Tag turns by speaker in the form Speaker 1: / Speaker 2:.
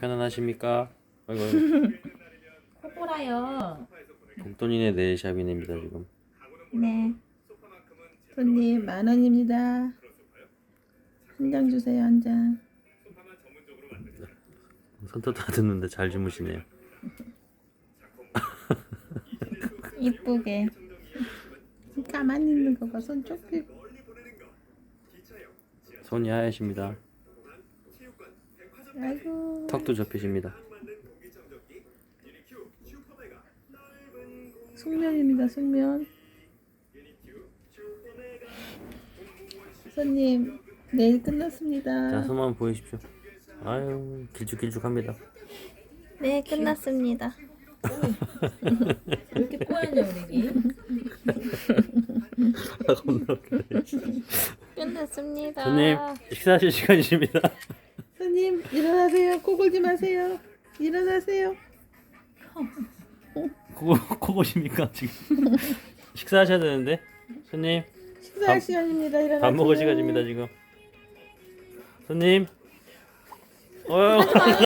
Speaker 1: 편안하십니까? 아이고, 아이고.
Speaker 2: 코골아요.
Speaker 1: 복돈이네 네일샵이네입니다 지금.
Speaker 2: 네.
Speaker 3: 손님 10,000원입니다. 한 장 주세요, 한 장.
Speaker 1: 손톱 다 듣는데 잘 주무시네요.
Speaker 2: 이쁘게.
Speaker 3: 가만히 있는 거 봐, 손 쫓기고.
Speaker 1: 손이 하얘십니다.
Speaker 3: 아이고.
Speaker 1: 턱도 접히십니다.
Speaker 3: 숙면입니다, 숙면. 손님, 내일 끝났습니다.
Speaker 1: 자, 손만 보이십시오. 아유, 길쭉길쭉합니다.
Speaker 2: 네, 끝났습니다.
Speaker 4: 왜 이렇게 뽀얗냐 우리 애기?
Speaker 1: 겁나 웃기네.
Speaker 2: 끝났습니다.
Speaker 1: 손님, 식사하실 시간이십니다.
Speaker 3: 손님, 일어나세요. 코 골지 마세요. 일어나세요.
Speaker 1: 코 고십니까 지금? 식사하셔야 되는데, 손님.
Speaker 3: 식사할
Speaker 1: 밥-
Speaker 3: 시간입니다. 일어나세요.
Speaker 1: 밥 먹을 시간입니다 지금. 손님.